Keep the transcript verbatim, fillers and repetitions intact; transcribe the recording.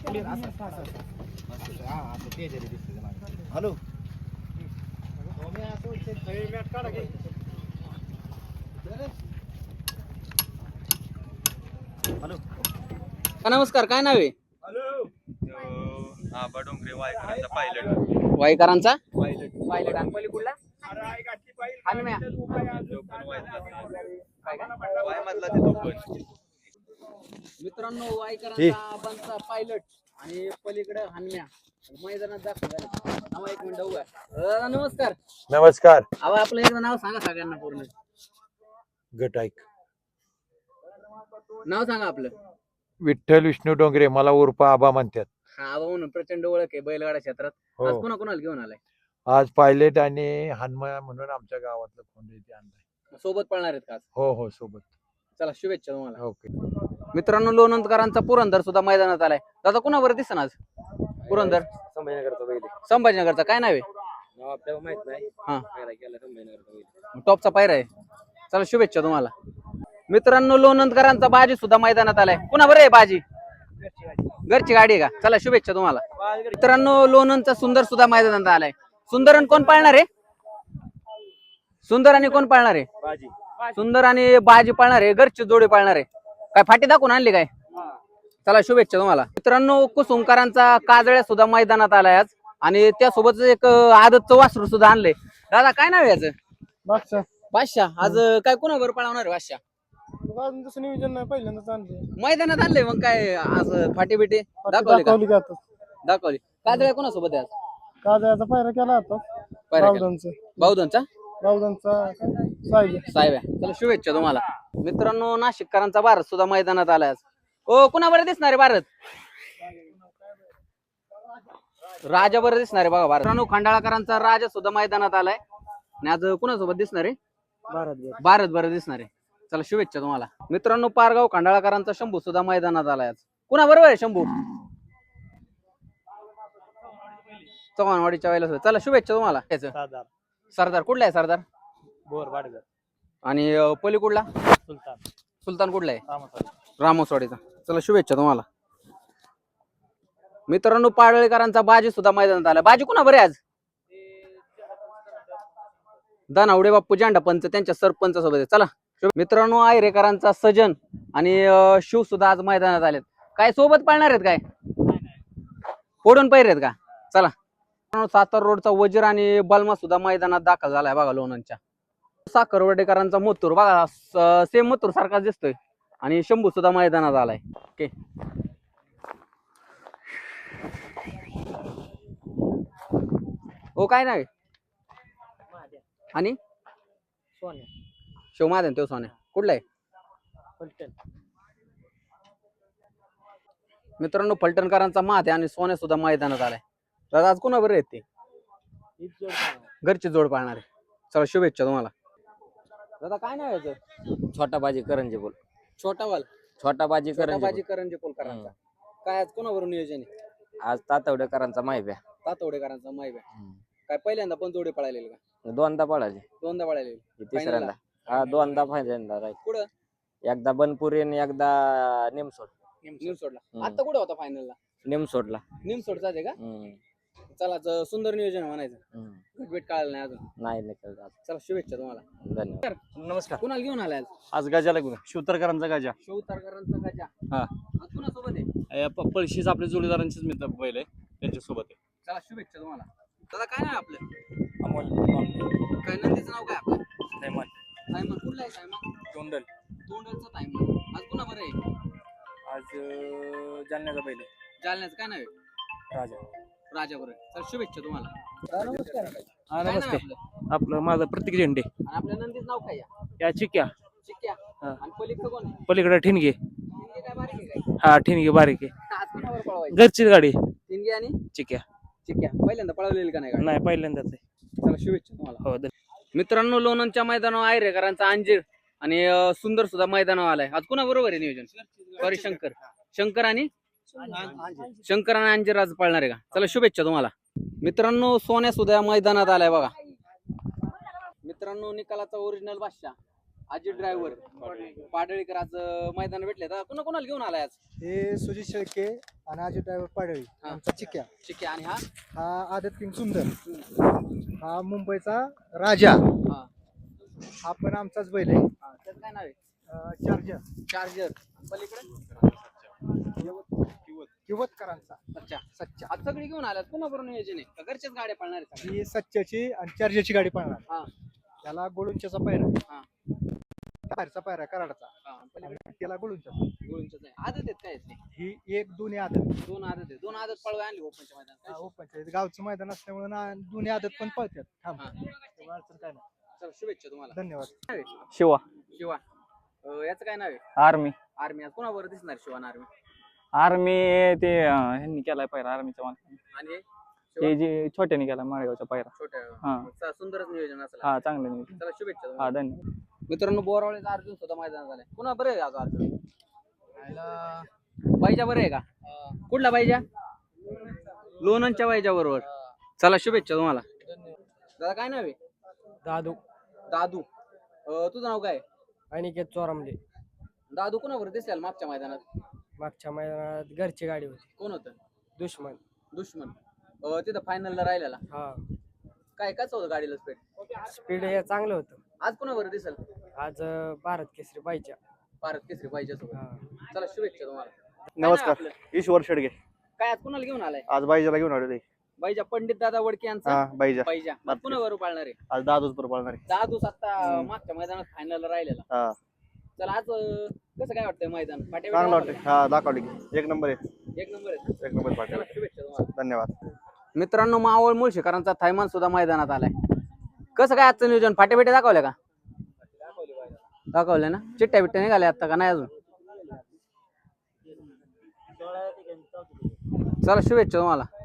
Hello hello नमस्कार, काय नाव आहे? आबा डोंगरे वायकरांचा पायलट वाईकरांचा पायलट पायलट आणि पलीकडला हनुम्या. वाय मधला ते तो पण मित्रांनो, वाईकरांचा आबांचा पायलट आणि पलीकडे हनुम्या मैदानात दाखल झाले. नाव एक मिनिट उभा आहे. नमस्कार. नमस्कार. अहो, आपलं एकदा नाव सांगा सगळ्यांना पूर्ण. गट ऐक. नाव सांगा आपलं. विठ्ठल विष्णू डोंगरे, मला उर्फ आबा म्हणतात. हा, आबा म्हणून प्रचंड ओळख आहे बैलगाडा क्षेत्रात. हो. आज कोणा कोणाला घेऊन आलाय? आज पायलट आणि हनुमा म्हणून आमच्या गावातलं कोंड इथे आणलाय. सोबत पळणार आहेत का आज? हो हो सोबत. चला, शुभेच्छा तुम्हाला. ओके. मित्रांनो, लोणंदकरांचा पुरंदर सुद्धा मैदानात आलाय. दादा, कुणावर दिसन आज पुरंदर? संभाजीनगरचा बैल संभाजीनगरचा. काय नाव आहे? नाव आपल्याला माहित नाही. हा, पायरा केला संभाजीनगरचा बैल. टॉपचा पायरा आहे. चला, शुभेच्छा तुम्हाला. मित्रांनो, लोणंदकरांचा बाजी सुद्धा मैदानात आलाय. कुणा बरं आहे बाजी? घरची गाडी आहे का? चला, शुभेच्छा तुम्हाला. मित्रांनो, लोणंदचा सुंदर सुद्धा मैदानात आलाय. सुंदर आणि कोण पाळणार आहे? सुंदर आणि कोण पाळणार आहे? बाजी सुंदर आणि बाजी पाळणार आहे. घरची जोडी पाळणार आहे. काय फाटी दाखवून आणली काय? चला, शुभेच्छा तुम्हाला. मित्रांनो, कुसुमकरांचा काजळ्या सुद्धा मैदानात आलाय आज आणि त्यासोबत एक आदतचं वासरू सुद्धा आणलंय. दादा, काय नाव आहे याचं? बादशाह. बादशाह. आज काय कोणावर पळवणार आहे बादशाह? अजून तसं नियोजन नाही, पहिल्यांदाच आणले. मैदानात आणलंय. मग काय आज फाटी बिटी दाखवली का? दाखवली का आता? दाखवली. काजळ्या कोणासोबत आहे आज? काजळ्याचा पायरा केला आता. पायरा केला. बावधनचा बावधनचा बावधनचा साहेब. साहेब आहे. चला, शुभेच्छा तुम्हाला. मित्रांनो, नाशिककरांचा भारत सुद्धा मैदानात आलाय आज. ओ, कुणा बरं दिसणार आहे भारत? राजा बरं दिसणार आहे बघा भारत. मित्रांनो, खंडाळकरांचा राजा सुद्धा मैदानात आलाय आणि आज कुणासोबत दिसणार आहे? भारत भारत बरं दिसणार आहे. चला, शुभेच्छा तुम्हाला. मित्रांनो, पारगाव खंडाळकरांचा शंभू सुद्धा मैदानात आलाय आज. कुणा बरोबर आहे शंभू? चव्हाणवाडीच्या वेळेला. चला, शुभेच्छा तुम्हाला. सरदार. सरदार कुठला आहे? सरदार बोर वाडीचा. आणि अं, पलीकडला सुलतान. सुलतान कुठला आहे? रामस्वामी. रामोसवाडीचा. चला, शुभेच्छा तुम्हाला. मित्रांनो, पाडळीकरांचा बाजी सुद्धा मैदानात आला. बाजी कुणा बरे आज? दानावडे बाप्पू जांडा पंच त्यांच्या सरपंच सोबत आहे. चला, मित्रांनो, आयरेकरांचा सजन आणि अं, शिव सुद्धा आज मैदानात आलेत. काय सोबत पाळणार आहेत? काय फोडून पैर आहेत का? चला, सातारा रोडचा वजीर आणि बलमा सुद्धा मैदानात दाखल झालाय बघा लोणंदच्या. साखरवडेकरांचा मथुर बघा, सेम मथुर सारखाच दिसतोय आणि शंभू सुद्धा मैदानात आलाय. ओके. हो, काय नाही आणि सोन्या. शिवमाधन तो सोन्या कुठला आहे? फलटण. मित्रांनो, फलटणकरांचा माथे आणि सोन्या सुद्धा मैदानात आलाय. तर आज कोणा बरं आहेत ते? घरची जोड पाळणार आहे. चला, शुभेच्छा तुम्हाला. दादा, काय नाव याचं? छोटा बाजी करंजे बोल. छोटा वाल. छोटा बाजी छोटा करंजे बाजी करंजे पोलकरांचा. काय आज कोणावरून नियोजन आहे? आज तातवडेकरांचा माहिती आहे. तातवडेकरांचा माहिती आहे. काय पहिल्यांदा पण जोडे पळालेले का? दोनदा पळाले. दोनदा पळालेले. तिसऱ्यांदा हा दोनदा फायनलला राहील. कुठं? एकदा बनपुरी आणि एकदा निमसोड. निमसोडला. आता कुठं होता फायनलला? निमसोडला. निमसोडचाच आहे का? हम्म. चला, ज- सुंदर नियोजन म्हणायचं. हम्म. भेट कळालं नाही अजून. नाही निकल आज. चला, शुभेच्छा तुम्हाला. धन्यवाद. नमस्कार. कुणाला घेऊन आलाय आज? आज गजाला घेऊन शिवतरकरांचा गजा. शिवतारकरांचा गजा. हा. आज कुणासोबत आहे? पळशीच आपल्या जोडीदारांचीच मित्र बैल आहे, त्यांच्यासोबत आहे. चला, शुभेच्छा तुम्हाला. दादा, काय नाव आहे आपलं? अमोल. काय नंदीचं नाव काय आपलं? सायमन. सायमन. कुठला आहे सायमन? तोंडल. तोंडलचा सायमन. आज कुणा बरं आहे? आज जालन्याचा बैल आहे. जालन्याचं काय नाव आहे? राजा. राजा बरं. चला, शुभेच्छा तुम्हाला. नमस्कार. हा, काय नाव आहे नमस्ते. आपलं? आपलं माझं प्रतीक झेंडे. आणि आपल्या नंदीचं नाव काय आहे? या चिक्या. चिक्क्या. हा. आणि पलीकडं कोण आहे? पलीकडे ठिणगे. तिनगे काय बारीक आहे काय? हा ठिणगे बारीक आहे. आज कुणावर पळवायचं? घरचीच गाडी. तिनगे आणि चिक्या. चिक्क्या. पहिल्यांदा पळवलेली का नाही गाडी? नाही पहिल्यांदाच आहे. चला, शुभेच्छा तुम्हाला. हो धन्यवाद. मित्रांनो, लोणंदच्या मैदानावर आयरेकरांचा अंजीर आणि अं, सुंदर सुद्धा मैदानावर आलाय. आज कुणा बरोबर आहे नियोजन? सॉरी, शंकर. शंकर आणि शंकर आणि अंजीर आज पळणार आहे का? चला, शुभेच्छा तुम्हाला. मित्रांनो, सोन्या सुद्धा मैदानात आलाय बघा. मित्रांनो, निकालाचा ओरिजिनल बादशाह अजित ड्रायव्हर पाडळीकर आज अं, मैदान भेटले तर कोणा कोणाला घेऊन आलाय आज हे सुजित शेळके आणि अजय ड्रायव्हर पाडळी हा. आमचा चिक्या. ठीक आहे आणि हा हा आदत किंग सुंदर. हा मुंबईचा राजा. हा हा पण आमचाच बैल आहे. हा, त्याचं काय नाव आहे अं, चार्जर चार्जर पलीकडे किवतकरांचा अच्छा सच्चा. आज सगळी घेऊन आल्यात कोणाबरोबर नियोजन आहे का घरच्याच गाड्या पळणार आहेत सगळ्या? ही सच्च्याची आणि चार्जरची गाडी पळणार. हा त्याला गोळुंच्याचा पायरा आहे. हा. बाहेरचा पायरा आहे, कराडचा. हा पलीकडे आणि त्याला गोळुंच्या. गोळूंचंच आहे आदत आहेत काय आहेत ते? ही एक दोन्ही आदत. दोन आदत आहेत दोन आदत पळवाय आणली ओपनच्या मैदानात हा, ओपनच्या इथं गावचं मैदान असल्यामुळे ना दोन्ही आदत पण पळतात. थांब हा. त्यामुळे अडचण काय नाही. चला शुभेच्छा तुम्हाला धन्यवाद. शिवा शिवा अं, याचं काय नाव आहे आर्मी आर्मी आज कोणाबरोबर दिसणार शिवान आर्मी आर्मी ते अं, ह्यांनी केलाय पायरा आर्मीच्या माणसाने आणि हे? ते जे छोट्याने केला माळेगावचा पायरा छोट्या हा. चा- सुंदरच नियोजन असलं हा चांगलं नाही चला शुभेच्छा हा तुम्हाला. धन्यवाद. मित्रांनो बोरावळेचा अर्जुन सुद्धा मैदान झालाय पुन्हा बरं आहे आज अर्जुन बाईजा बरं आहे का कुठला बाईजा लोणंदच्या बाईजा बरोबर चला शुभेच्छा तुम्हाला दादा काय नाव आहे दादू दादू अं, तुझं नाव काय अनिकेत चोरामले. दादू कोणाबरोबर दिसेल मागच्या मैदानात मागच्या मैदानात घरची गाडी होती. कोण होतं दुश्मन. दुश्मन अं, तिथं फायनलला राहिलेला हा काय कसं होतं गाडीला स्पीड स्पीड हे चांगलं होतं. आज कोणाबरोबर दिसेल आज अं, भारत केसरी पाहिजे. भारत केसरी पाहिजे सोबत हा. चला शुभेच्छा तुम्हाला काय नमस्कार. नाव आपलं? ईश्वर शेडगे. काय आज कुणाला घेऊन आलाय आज बाईजाला घेऊन आलेलो आहे. बाईजा पंडित दादा वडके यांचा हा बाईजा बाईजा आज कुणाबरोबर पाळणार आहे आज दादूच बरोबर पाळणार आहे. दहा दिवस आता हम्म. मागच्या मैदानात फायनल राहिलेला हा चला आज अं, कसं काय वाटतंय मैदान फाट्या चांगलं बिट्या वाटतं. हा दाखवली की एक नंबर आहे. दाखवल्या? एक नंबर आहे एक नंबर चला पाठवला. शुभेच्छा तुम्हाला धन्यवाद. मित्रांनो मावळ मुळशीकरांचा थैमान सुद्धा मैदानात आलाय कसं काय आजचं नियोजन फाट्या बिट्या दाखवल्या का दाखवले ना चिट्ट्या बिट्ट्या निघाल्या आता का नाही अजून चला शुभेच्छा तुम्हाला